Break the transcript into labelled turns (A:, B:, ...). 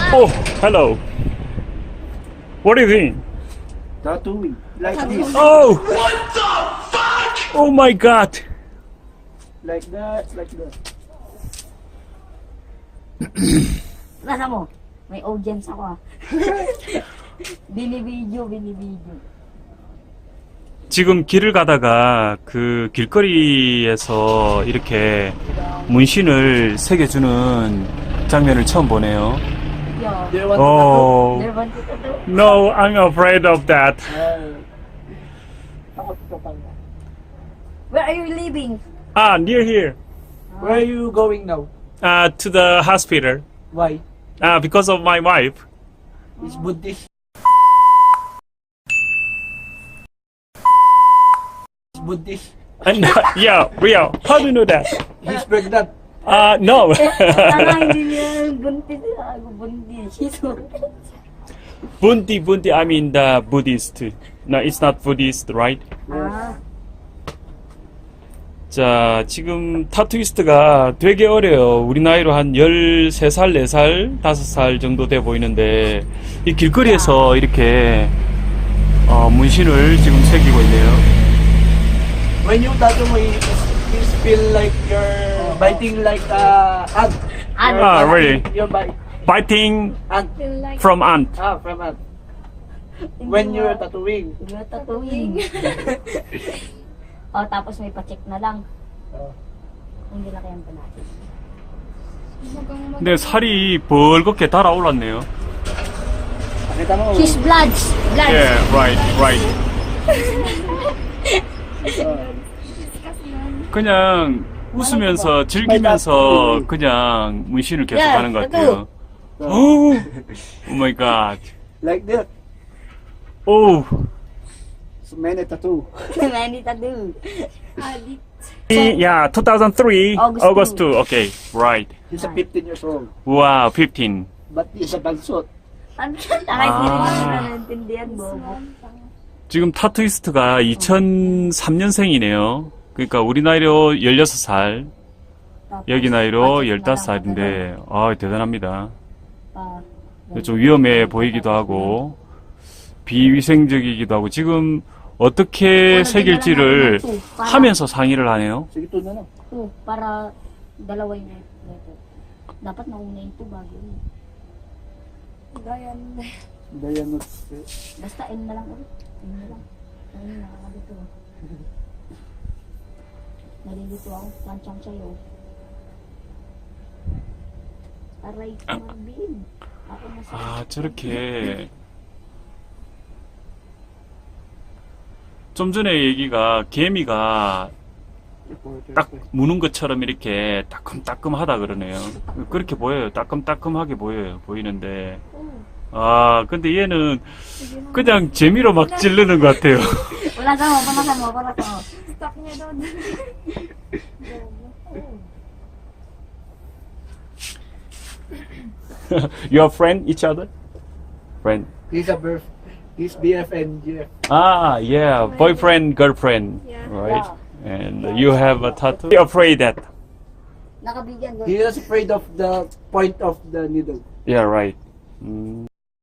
A: Oh, hello. What do you think?
B: Tattooing. Like this.
A: Oh! What the fuck? Oh my god.
B: Like that. Like that.
C: Nasa mo? May audience ako ah. binibidyo.
A: 지금 길을 가다가 그 길거리에서 이렇게 문신을 새겨주는 장면을 처음 보네요.
C: Yo.
B: Do you want
A: Oh,
C: There want to do?
A: no, I'm afraid of that.
B: to Takot ka pala.
C: Where are you living?
A: Ah, near here.
B: Where are you going now?
A: To the hospital.
B: Why?
A: Because of my wife.
B: It's Buddhist. It's Buddhist.
A: And, yeah, real. How do you know that?
B: He's pregnant.
A: No.
C: Tama, hindi niya buntis. Ako buntis. She's buntis.
A: Bunti, I mean the Buddhist. No, it's not Buddhist, right?
C: Ah.
A: 자, 지금 타투이스트가 되게 어려요. 우리 나이로 한 13살, 4살, 5살 정도 돼 보이는데, 이 길거리에서 이렇게, 문신을 지금 새기고 있네요.
B: When you tattoo mo, it feel like you're biting like ant.
C: Ant.
A: Ah, really?
B: You're
A: Biting
B: ant.
A: from ant.
B: From ant. When you're tattooing.
C: You're tattooing. Oh, tapos may pa-check na lang. Hindi na kayang natin.
A: 근데 살이 벌겋게 달아올랐네요.
B: Nakita mo?
C: His blood.
A: Yeah, right. 그냥 웃으면서 즐기면서 그냥 문신을 계속 하는 것 같아요. Oh my god.
B: Like that.
A: Oh.
B: So many tattoo.
C: Many tattoo.
A: Yeah, 2003,
C: August
A: August 2.
C: 2.
A: Okay, right.
B: He's a 15 years old.
A: Wow, 15.
B: But he's a bansot.
C: Ano siya? Kahit hindi naman naintindihan, bobo.
A: 지금 타투이스트가 2003년생이네요. 그러니까 우리 나이로 16살, 여기 나이로 15살인데, 대단합니다. 좀 위험해 보이기도 하고, 비위생적이기도 하고, 지금 어떻게 새길지를 하면서 상의를 하네요.
B: Sige, ito na lang.
C: Para dalawa yung letter. Dapat nauna yung 2 bago yun.
B: Dayan
C: Basta N na lang ulit. N na lang. Ayun, nakakadito. Nalilito ako. Planchang sa'yo. Aray ko, Marvin. Ako na
A: 저렇게. 좀 전에 얘기가 개미가 딱 무는 것처럼 이렇게 따끔따끔하다 그러네요. 그렇게 보여요. 따끔따끔하게 보이는데. 근데 얘는 그냥 재미로 막 찌르는 것 같아요.
C: Wala ka mo, panasan mo, para ko.
D: Stop niya doon.
A: You are friend each other? Friend.
B: He's BF and GF.
A: Yeah, boyfriend, girlfriend,
D: Yeah.
A: right? And you have a tattoo. You're afraid that?
C: Nakabigyan ko.
B: He is afraid of the point of the needle.
A: Yeah, right.